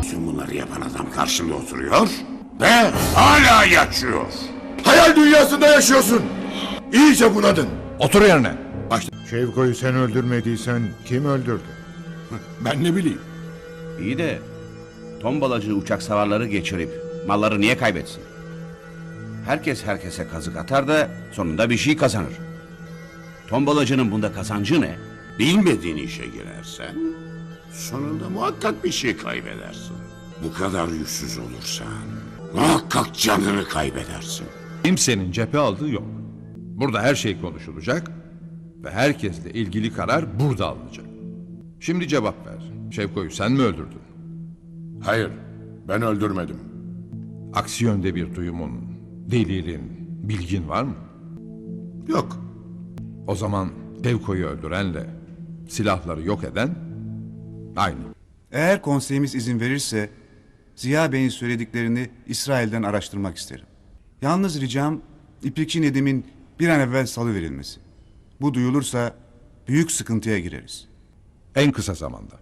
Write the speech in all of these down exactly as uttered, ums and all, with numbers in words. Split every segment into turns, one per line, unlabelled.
Bütün bunları yapan adam karşımda oturuyor ve hala yaşıyor.
Hayal dünyasında yaşıyorsun. İyice bunadın.
Otur yerine.
Başla.
Şevko'yu sen öldürmediysen kim öldürdü?
Ben ne bileyim.
İyi de tombalacı uçak savarları geçirip malları niye kaybetsin? Herkes herkese kazık atar da sonunda bir şey kazanır. Tombalacının bunda kazancı ne?
Bilmediğin işe girersen sonunda muhakkak bir şey kaybedersin. Bu kadar yüzsüz olursan muhakkak canını kaybedersin.
Kimsenin cephe aldığı yok. Burada her şey konuşulacak ve herkesle ilgili karar burada alınacak. Şimdi cevap ver. Şevko'yu sen mi öldürdün?
Hayır, ben öldürmedim.
Aksi yönde bir duyumun, delilin, bilgin var mı?
Yok.
O zaman Şevko'yu öldürenle silahları yok eden aynı.
Eğer konseyimiz izin verirse Ziya Bey'in söylediklerini İsrail'den araştırmak isterim. Yalnız ricam İplikçi Nedim'in bir an evvel salıverilmesi. Bu duyulursa büyük sıkıntıya gireriz.
En kısa zamanda.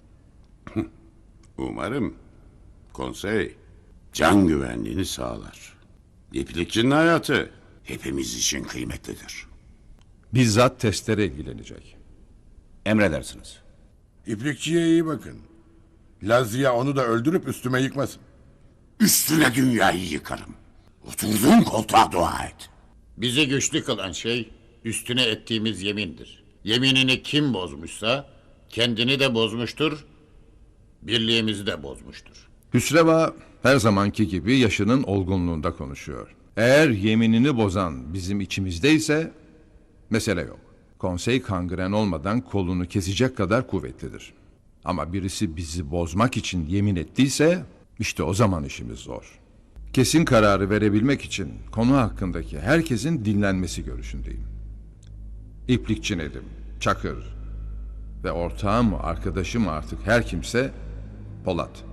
Umarım konsey can güvenliğini sağlar. İplikçinin hayatı hepimiz için kıymetlidir.
Bizzat testlere ilgilenecek.
Emredersiniz.
İplikçiye iyi bakın. Lazia onu da öldürüp üstüme yıkmasın.
Üstüne dünyayı yıkarım. Oturduğun koltuğa dua et.
Bizi güçlü kılan şey üstüne ettiğimiz yemindir. Yeminini kim bozmuşsa kendini de bozmuştur, birliğimizi de bozmuştur.
Hüsreva her zamanki gibi yaşının olgunluğunda konuşuyor. Eğer yeminini bozan bizim içimizdeyse mesele yok. Konsey kangren olmadan kolunu kesecek kadar kuvvetlidir. Ama birisi bizi bozmak için yemin ettiyse işte o zaman işimiz zor. Kesin kararı verebilmek için konu hakkındaki herkesin dinlenmesi görüşündeyim. İplikçi Nedim, Çakır ve ortağım mı arkadaşım mı artık her kimse Polat.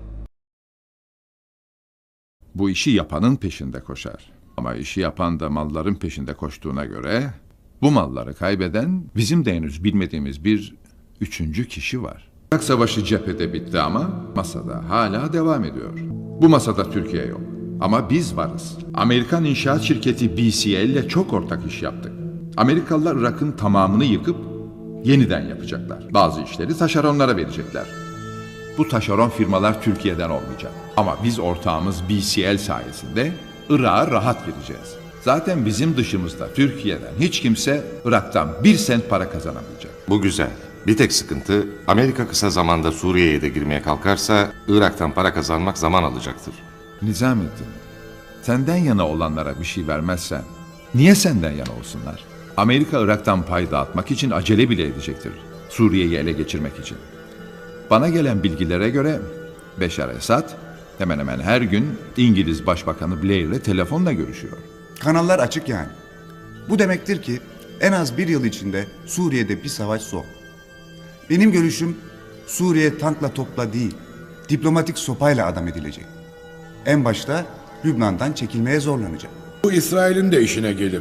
Bu işi yapanın peşinde koşar. Ama işi yapan da malların peşinde koştuğuna göre bu malları kaybeden bizim de henüz bilmediğimiz bir üçüncü kişi var. Irak Savaşı cephede bitti ama masada hala devam ediyor. Bu masada Türkiye yok. Ama biz varız. Amerikan inşaat şirketi B C L ile çok ortak iş yaptık. Amerikalılar Irak'ın tamamını yıkıp yeniden yapacaklar. Bazı işleri taşeronlara verecekler. Bu taşeron firmalar Türkiye'den olmayacak. Ama biz ortağımız B C L sayesinde Irak'a rahat gireceğiz. Zaten bizim dışımızda Türkiye'den hiç kimse Irak'tan bir sent para kazanamayacak.
Bu güzel. Bir tek sıkıntı Amerika kısa zamanda Suriye'ye de girmeye kalkarsa Irak'tan para kazanmak zaman alacaktır.
Nizamettin, senden yana olanlara bir şey vermezsen niye senden yana olsunlar? Amerika Irak'tan pay dağıtmak için acele bile edecektir. Suriye'yi ele geçirmek için. Bana gelen bilgilere göre Beşar Esad hemen hemen her gün İngiliz Başbakanı Blair ile telefonla görüşüyor.
Kanallar açık yani. Bu demektir ki en az bir yıl içinde Suriye'de bir savaş son. Benim görüşüm Suriye tankla topla değil, diplomatik sopayla adam edilecek. En başta Lübnan'dan çekilmeye zorlanacak.
Bu İsrail'in de işine gelir.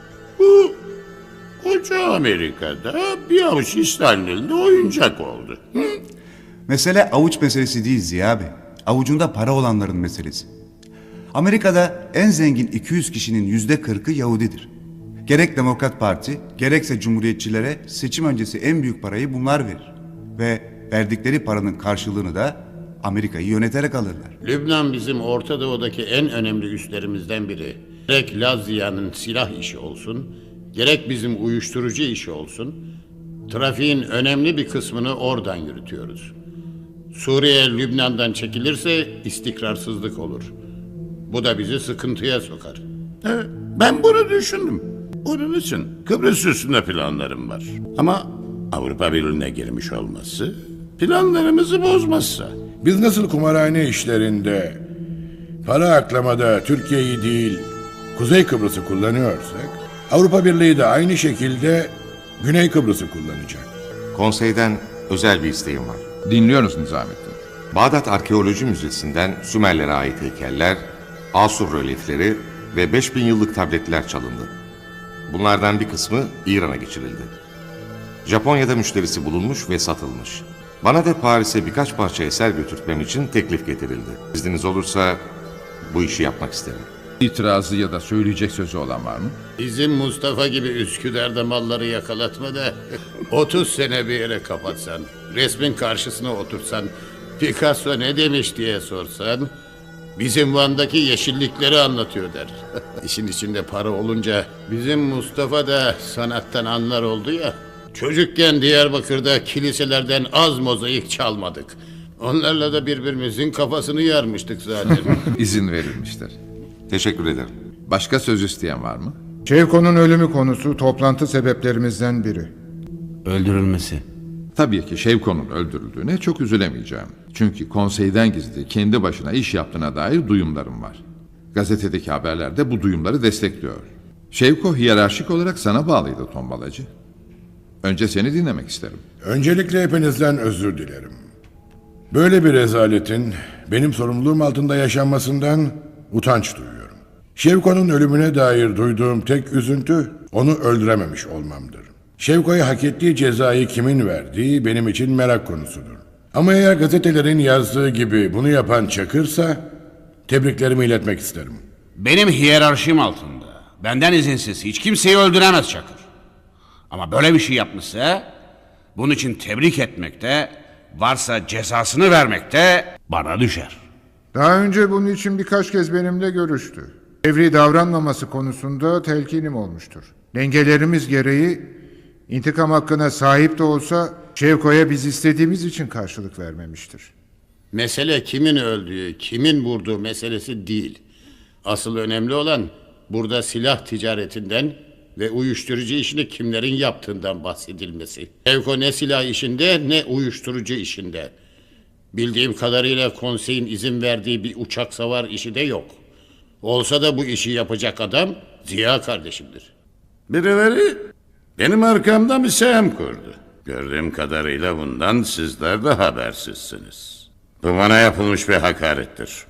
Bu koca Amerika'da bir avuç İsrail'in elinde oyuncak oldu. Hı?
Mesele avuç meselesi değil Ziya Bey. Avucunda para olanların meselesi. Amerika'da en zengin iki yüz kişinin yüzde kırkı Yahudidir. Gerek Demokrat Parti, gerekse Cumhuriyetçilere seçim öncesi en büyük parayı bunlar verir. Ve verdikleri paranın karşılığını da Amerika'yı yöneterek alırlar.
Lübnan bizim Orta Doğu'daki en önemli üslerimizden biri. Gerek Lazia'nın silah işi olsun, gerek bizim uyuşturucu işi olsun, trafiğin önemli bir kısmını oradan yürütüyoruz. Suriye Lübnan'dan çekilirse istikrarsızlık olur. Bu da bizi sıkıntıya sokar.
Evet, ben bunu düşündüm. Onun için Kıbrıs üstünde planlarım var. Ama Avrupa Birliği'ne girmiş olması planlarımızı bozmazsa.
Biz nasıl kumarhane işlerinde, para aklamada Türkiye'yi değil, Kuzey Kıbrıs'ı kullanıyorsak, Avrupa Birliği de aynı şekilde Güney Kıbrıs'ı kullanacak.
Konseyden özel bir isteğim var.
Dinliyoruz Nizamettin.
Bağdat Arkeoloji Müzesi'nden Sümerlere ait heykeller, Asur rölyefleri ve beş bin yıllık tabletler çalındı. Bunlardan bir kısmı İran'a geçirildi. Japonya'da müşterisi bulunmuş ve satılmış. Bana da Paris'e birkaç parça eser götürtmem için teklif getirildi. İzniniz olursa bu işi yapmak isterim.
İtirazı ya da söyleyecek sözü olan var mı?
Bizim Mustafa gibi Üsküdar'da malları yakalatma da otuz sene bir yere kapatsan, resmin karşısına otursan, Picasso ne demiş diye sorsan, bizim Van'daki yeşillikleri anlatıyor der. İşin içinde para olunca bizim Mustafa da sanattan anlar oldu ya. Çocukken Diyarbakır'da kiliselerden az mozaik çalmadık. Onlarla da birbirimizin kafasını yarmıştık zaten.
İzin verilmiştir.
Teşekkür ederim.
Başka söz isteyen var mı?
Şevko'nun ölümü konusu toplantı sebeplerimizden biri.
Öldürülmesi.
Tabii ki Şevko'nun öldürüldüğüne çok üzülemeyeceğim. Çünkü konseyden gizli kendi başına iş yaptığına dair duyumlarım var. Gazetedeki haberler de bu duyumları destekliyor. Şevko hiyerarşik olarak sana bağlıydı Tombalacı. Önce seni dinlemek isterim.
Öncelikle hepinizden özür dilerim. Böyle bir rezaletin benim sorumluluğum altında yaşanmasından utanç duyuyorum. Şevko'nun ölümüne dair duyduğum tek üzüntü onu öldürememiş olmamdır. Şevko'ya hak ettiği cezayı kimin verdiği benim için merak konusudur. Ama eğer gazetelerin yazdığı gibi bunu yapan Çakır'sa tebriklerimi iletmek isterim.
Benim hiyerarşim altında. Benden izinsiz hiç kimseyi öldüremez Çakır. Ama böyle bir şey yapmışsa bunun için tebrik etmekte, varsa cezasını vermekte bana düşer.
Daha önce bunun için birkaç kez benimle görüştü. Evri davranmaması konusunda telkinim olmuştur. Dengelerimiz gereği intikam hakkına sahip de olsa Şevko'ya biz istediğimiz için karşılık vermemiştir.
Mesele kimin öldüğü, kimin vurduğu meselesi değil. Asıl önemli olan burada silah ticaretinden ve uyuşturucu işini kimlerin yaptığından bahsedilmesi. Şevko ne silah işinde ne uyuşturucu işinde. Bildiğim kadarıyla konseyin izin verdiği bir uçak savar işi de yok. Olsa da bu işi yapacak adam Ziya kardeşimdir.
Birileri benim arkamda bir sehem kurdu. Gördüğüm kadarıyla bundan sizler de habersizsiniz. Bu bana yapılmış bir hakarettir.